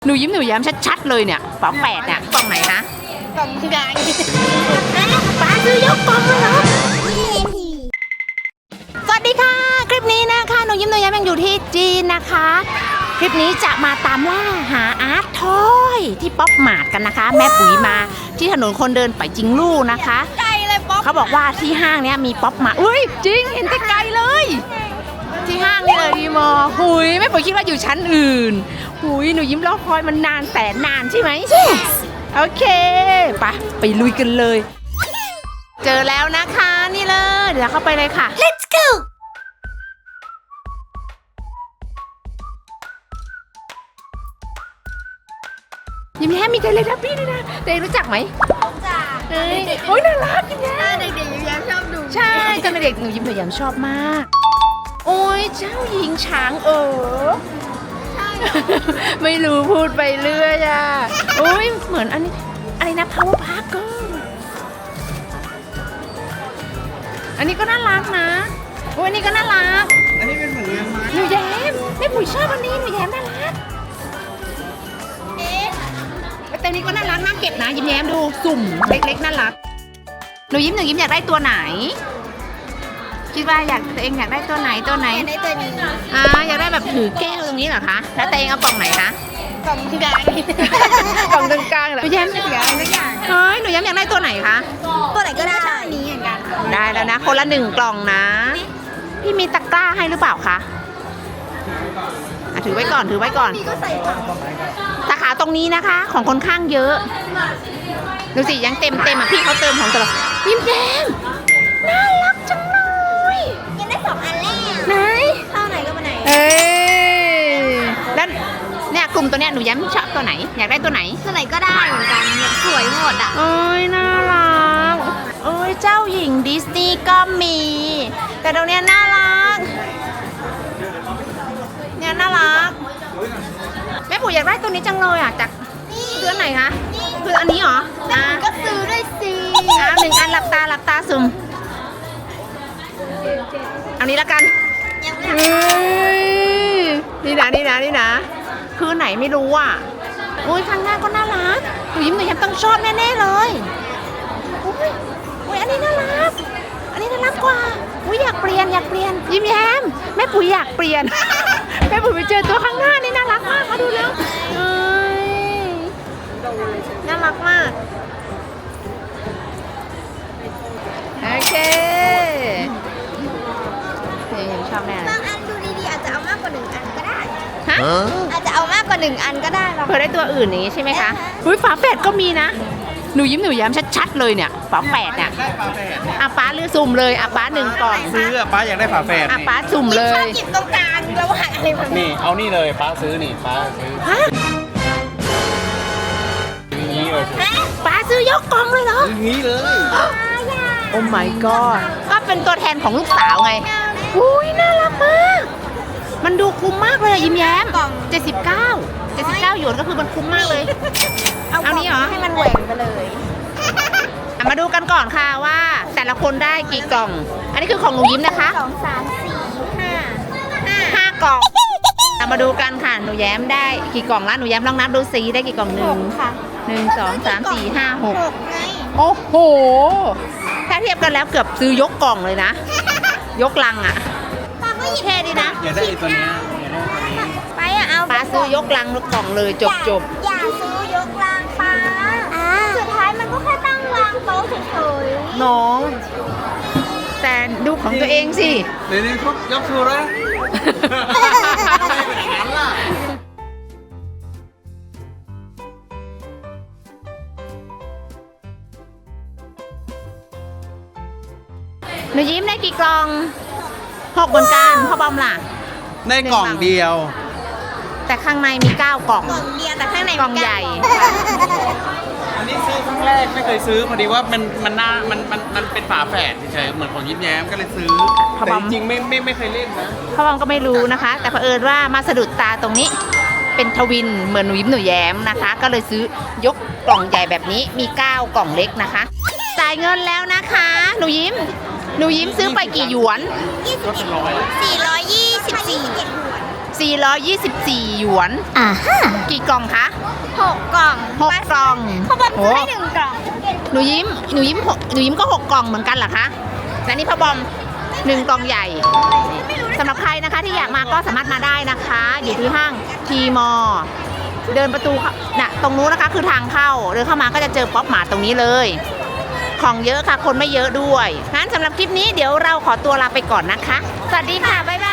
หนูยิ้มหนูแย้มชัดๆเลยเนี่ยฝาแฝดเนี่ยกล่องไหนคะกล่องใหญ่ป้าซื้อยกกล่องเลยเหรอสวัสดีค่ะคลิปนี้นะคะหนูยิ้มหนูแย้มยังอยู่ที่จีนนะคะคลิปนี้จะมาตามล่าหาอาร์ตทอยที่ป๊อปมาร์ทกันนะคะแม่ปุ๋ยมาที่ถนนคนเดินไปจิงลู่นะคะไกลเลยป๊อปเขาบอกว่าที่ห้างเนี้ยมีป๊อปมาร์ทอุ้ยจริงเห็นไกลๆเลยที่ห้างนี่เลยดีมอหุยแม่ปุ๋ยคิดว่าอยู่ชั้นอื่นหุยหนูยิ้มรอคอยมันนานแสนนานใช่ไหม โอเคไปลุยกันเลยเจอแล้วนะคะนี่เลยเดี๋ยวเข้าไปเลยค่ะ Let's go ยิ้มแย้มมีเทเลทับบี้ด้วยนะเด็กรู้จักไหมจ้าเอ้ยโอ้ยน่ารักยิ้มแย้มเด็กๆยิ้มแย้มชอบดูใช่ตอนเด็กหนูยิ้มหนูแย้มชอบมากโอ้ยเจ้าหญิงช้างใช่ไม่รู้พูดไปเรื่อยอ่ะโอ้ยเหมือนอันนี้อะไรนะ Power Park ก็อันนี้ก็น่ารักนะโอ้ยอันนี้ก็น่ารักอันนี้เป็นเหมือนงานไม้หนูแย้มแม่ปุ๋ยชอบอันนี้หนูแย้มน่ารักแต่นี้ก็น่ารักน่าเก็บนะยิ้มแย้มดูสุ่มเล็กๆน่ารักหนูยิ้มอยากได้ตัวไหนคิดว่าตัวเองอยากได้ตัวไหนได้ตัวนี้อยากได้แบบถือแก้วตรงนี้เหรอคะแล้วตัวเองเอากล่องไหนคะกล่องใหญ่กล่องตรงกลางเหรอหนูแย้มอยากได้เฮ้ยหนูแย้มอยากได้ตัวไหนคะตัวไหนก็ได้นี้เหมือนกันได้แล้วนะคนละ1 กล่องนะพี่มีตะกร้าให้หรือเปล่าคะถือไว้ก่อนพี่ก็ใส่สาขาตรงนี้นะคะของคนข้างเยอะดูสิยังเต็มอ่ะพี่เขาเติมของตลอดยิ้มแย้มน่ารักจังเลยยังได้2 อันแรกไหนเท่าไหนก็มาไหนแล้วเนี่ยกลุ่มตัวเนี้ยหนูแย้มชอบตัวไหนอยากได้ตัวไหนก็ได้เหมือนกันสวยหมดอ่ะโอ้ยน่ารักโอ้ยเจ้าหญิงดิสนีย์ก็มีแต่ตรงเนี้ยน่ารักเนี่ยน่ารักแม่ปู่อยากได้ตัวนี้จังเลยอ่ะจากเดือนไหนคะคืออันนี้เหรอก็ซื้อด้วยสิ 1 อันหลับตาซุ่มอันนี้ละกันนี่นะคือไหนไม่รู้อ่ะโอ้ยข้างหน้าก็น่ารักหนูยิ้มหนูแย้มต้องชอบแน่ๆเลยโอ้ยอันนี้น่ารักกว่าอุ้ยอยากเปลี่ยนยิ้มแย้มแม่ปุ๋ยอยากเปลี่ยนแม่ปุ๋ยไปเจอตัวข้างหน้านี่น่ารักมากมาดูแล้วน่ารักมากโอเคยังชอบแน่บางอันดูดีๆอาจจะเอามากกว่า1 อันก็ได้ฮะอาจจะเอามากกว่า1 อันก็ได้เผื่อได้ตัวอื่นนี้ใช่ไหมคะอุ้ยฝาแฝดก็มีนะหนูยิ้มหนูแย้มชัดๆเลยเนี่ยฝาแฝดเนี่ยป้าเลือกสุ่มเลยป้า1 กล่องซื้อป้าอยากได้ฝาแฝดป้าสุ่มเลยชอบหยิบตรงกลางแล้วหาอะไรแบบนี่เอานี่เลยป้าซื้อนี่ป้าซื้อนี่เลยป้าซื้อยกกล่องเลยเหรออย่างนี้เลยโอ้ my god ก็เป็นตัวแทนของลูกสาวไงอุ้ยน่ารักมากมันดูคุ้มมากเลยยิ้มแย้ม79หยวนก็คือมันคุ้มมากเลยเอานี้เหรอให้มันแหว่งไปเลยมาดูกันก่อนค่ะว่าแต่ละคนได้กี่กล่องอันนี้คือของหนูยิ้มนะคะ 2 3 4 5 กล่องมาดูกันค่ะหนูแย้มได้กี่กล่องละหนูแย้มลองนับดูซิได้กี่กล่องค่ะ 1 2 3 4 5 6ไงโอ้โหถ้าเทียบกันแล้วเกือบซื้อยกกล่องเลยนะยกลังอ่ะเท่ดีนะอยากได้ตัวนี้ไปเอาป้าซื้อยกลังลูกกล่องเลยจบอย่าซื้อยกลังป้าสุดท้ายมันก็แค่ตั้งวางโต๊ะเฉยๆน้องแต่ดูของตัวเองสิเดี๋ยวนี้เขายกชูแล้วหนูยิ้มได้กี่กล่อง6เหมือนกันพ่อบอมล่ะได้กล่องเดียวแต่ข้างในมี9 กล่องเดียวแต่ข้างในกล่องใหญ่อันนี้ซื้อครั้งแรกไม่เคยซื้อพอดีว่ามันเป็นฝาแฝดเฉยๆเหมือนของยิ้มแย้มก็เลยซื้อแต่จริงๆไม่เคยเล่นนะพ่อบอมก็ไม่รู้นะคะแต่เผอิญว่ามาสะดุดตาตรงนี้เป็นทวินเหมือนหนูยิ้มหนูแย้มนะคะก็เลยซื้อยกกล่องใหญ่แบบนี้มี9 กล่องเล็กนะคะจ่ายเงินแล้วนะคะหนูยิ้มซื้อไปกี่หยวนก็เป็น100 424 424 หยวน กี่กล่องคะ 6 กล่อง 6 กล่องพ่อบอมโอ้ซื้อให้1 กล่องหนูยิ้มก็ 6 กล่องเหมือนกันเหรอคะและนี่พ่อบอม 1 กล่องใหญ่สำหรับใครนะคะที่อยากมาก็สามารถมาได้นะคะ อยู่ที่ห้างทีมอ เดินประตูน่ะตรงนู้นนะคะคือทางเข้าเดินเข้ามาก็จะเจอป๊อปมาร์ทตรงนี้เลย ของเยอะค่ะคนไม่เยอะด้วยงั้นสำหรับคลิปนี้เดี๋ยวเราขอตัวลาไปก่อนนะคะ สวัสดีค่ะ บ๊ายบาย